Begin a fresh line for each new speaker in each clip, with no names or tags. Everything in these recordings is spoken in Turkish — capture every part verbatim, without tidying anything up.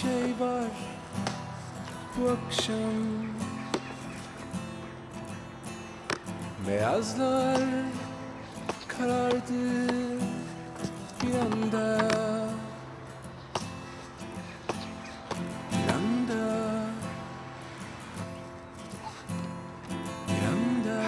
şey var bu akşam. Beyazlar karardı bir anda, bir anda, bir anda.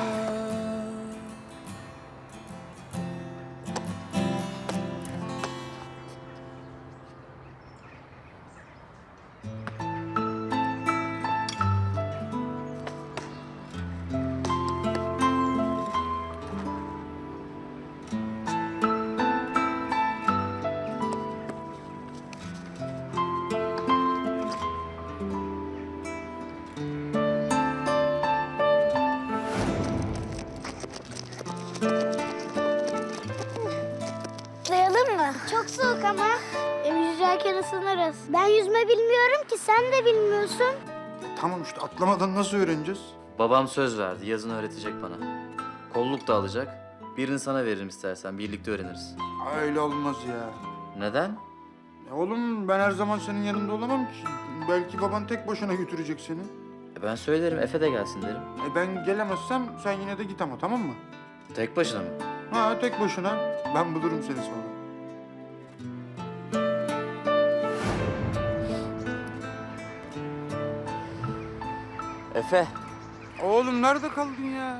Atlayalım mı? Çok soğuk ama. Hem yüzerken ısınırız. Ben yüzme bilmiyorum ki, sen de bilmiyorsun.
Tamam işte atlamadan nasıl öğreneceğiz?
Babam söz verdi, yazın öğretecek bana. Kolluk da alacak. Birini sana veririm istersen, birlikte öğreniriz.
Öyle olmaz ya.
Neden?
Ya oğlum ben her zaman senin yanında olamam ki. Belki baban tek başına götürecek seni.
E ben söylerim, Efe de gelsin derim.
E ben gelemezsem sen yine de git ama, tamam mı?
Tek başına mı?
Ha tek başına. Ben bulurum seni sonra.
Efe.
Oğlum nerede kaldın ya?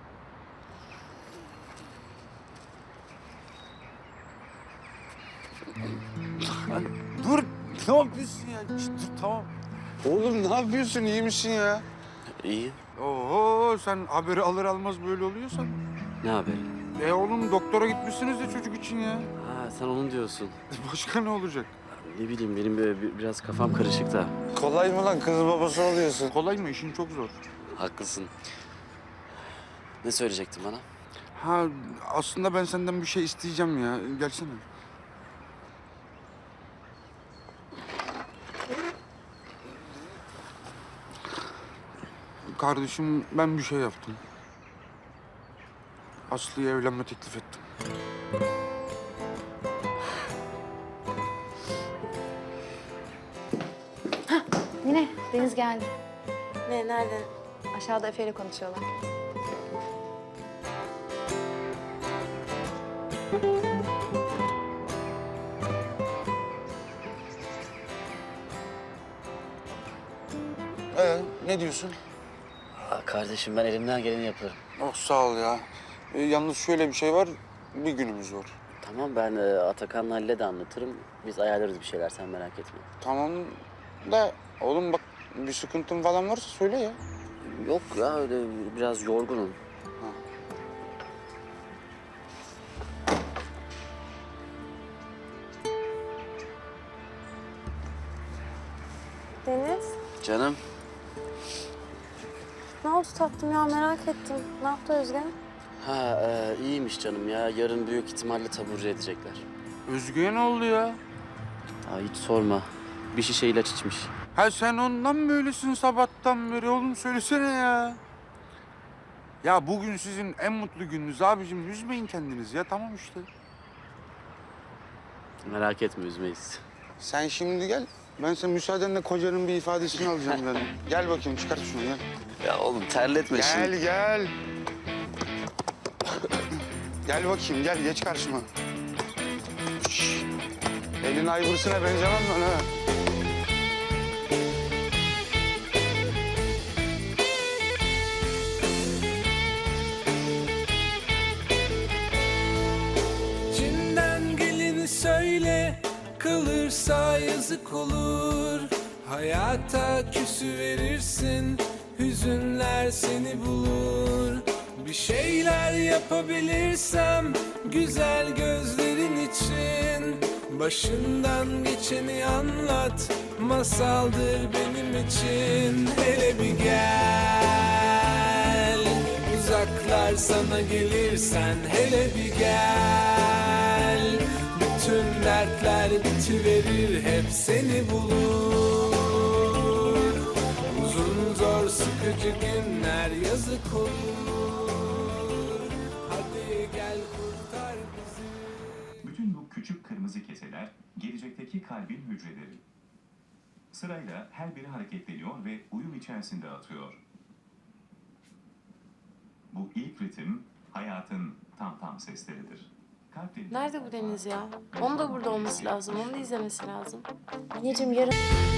Lan dur. Ne yapıyorsun ya? Şişt, dur tamam. Oğlum ne yapıyorsun? İyi misin ya?
İyi.
Oo sen haberi alır almaz böyle oluyorsan.
Ne haberi?
E oğlum doktora gitmişsiniz de çocuk için ya.
Ha sen onu diyorsun.
Başka ne olacak?
Ne bileyim benim böyle bir- biraz kafam karışık da.
Kolay mı lan kız babası oluyorsun?
Kolay mı? İşin çok zor.
Haklısın. Ne söyleyecektin bana?
Ha aslında ben senden bir şey isteyeceğim ya. Gelsene. Kardeşim ben bir şey yaptım. Aslı'ya evlenme teklif ettim.
Mine, Deniz geldi.
Ne, nerede?
Aşağıda Efe ile konuşuyorlar.
Ee, ne diyorsun?
Aa, kardeşim ben elimden geleni yaparım.
Oh sağ ol ya. Ee, yalnız şöyle bir şey var. Bir günümüz var.
Tamam ben e, Atakan'la Halil'e de anlatırım. Biz ayarlarız bir şeyler sen merak etme.
Tamam da oğlum bak bir sıkıntın falan varsa söyle ya.
Yok ya öyle biraz yorgunum.
Deniz,
Canım.
ne oldu tatlım ya, merak ettim. Ne yaptı Özge?
Ha e, iyiymiş canım ya. Yarın büyük ihtimalle taburcu edecekler.
Özge'ye ne oldu ya?
Aa, hiç sorma. Bir şişe ilaç içmiş.
Ha sen ondan böylesin sabahtan beri oğlum söylesene ya. Ya bugün sizin en mutlu gününüz abicim. Üzmeyin kendinizi ya tamam işte.
Merak etme üzmeyiz.
Sen şimdi gel. Ben senin müsaadenle kocanın bir ifadesini alacağım ben. Gel bakayım çıkart şunu gel.
Ya oğlum terletme
Gel gel. Gel bakayım gel geç karşıma. Şş. Elin ayvırısına benzemem ben ha.
İçinden geleni söyle, kalırsa yazık olur. Hayata küsü verirsin, hüzünler seni bulur. Bir şeyler yapabilirsem güzel gözlerin için, başından geçeni anlat, masaldır benim için. Hele bir gel, uzaklar sana gelirsen hele bir gel. Bütün dertler bitiverir, hep seni bulur. Uzun zor sıkıcı günler yazık olur. Hadi gel kurtar bizi.
Bütün bu küçük kırmızı keseler gelecekteki kalbin hücreleri. Sırayla her biri hareketleniyor ve uyum içerisinde atıyor. Bu ilk ritim hayatın tam tam sesleridir. Kalp ritmi-
Nerede bu Deniz ya? Onun da burada olması lazım. Onu da izlemesi lazım.
Anneciğim yarın...